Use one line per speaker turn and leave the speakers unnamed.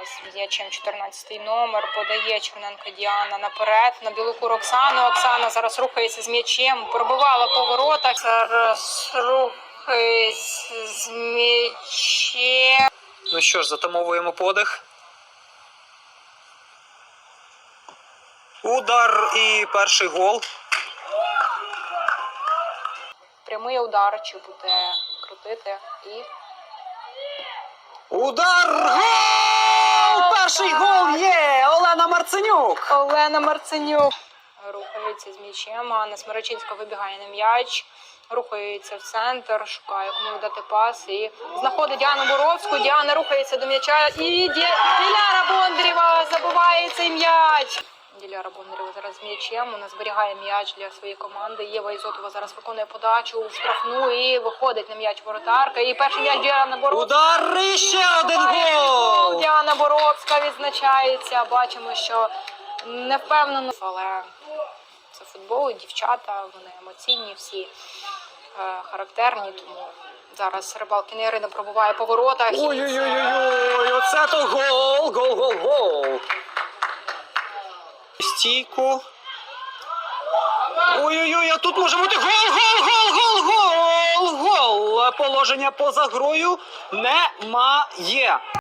Зараз з м'ячем 14-й номер, подає Черненко Діана наперед, на Білоку Оксану. Оксана зараз рухається з м'ячем, пробивала по воротах. Зараз рухається з м'ячем.
Ну що ж, затамовуємо подих. Удар і перший гол.
Прямий удар, чи буде крутити і...
Удар! Гол! Перший гол є! Олена Марценюк!
Олена Марценюк рухається з м'ячем. Анна Смирочинська вибігає на м'яч. Рухається в центр, шукає кому дати пас і знаходить Діану Боровську. Діана рухається до м'яча і Диляра Бондарєва забиває цей м'яч. Диляра Бондарєва зараз з м'ячем, вона зберігає м'яч для своєї команди. Єва Ізотова зараз виконує подачу в штрафну і виходить на м'яч воротарка. І перший м'яч Діана Боровська.
Удар і ще один гол!
Діана Боровська відзначається. Бачимо, що не впевнено, але це футбол, дівчата, вони емоційні, всі характерні, тому зараз Рибалкіна Ірина пробуває по воротах.
Ой-ой-ой, оце то гол! Гол! Стійку. Ой-ой-ой, а тут може бути гол! Положення поза грою немає.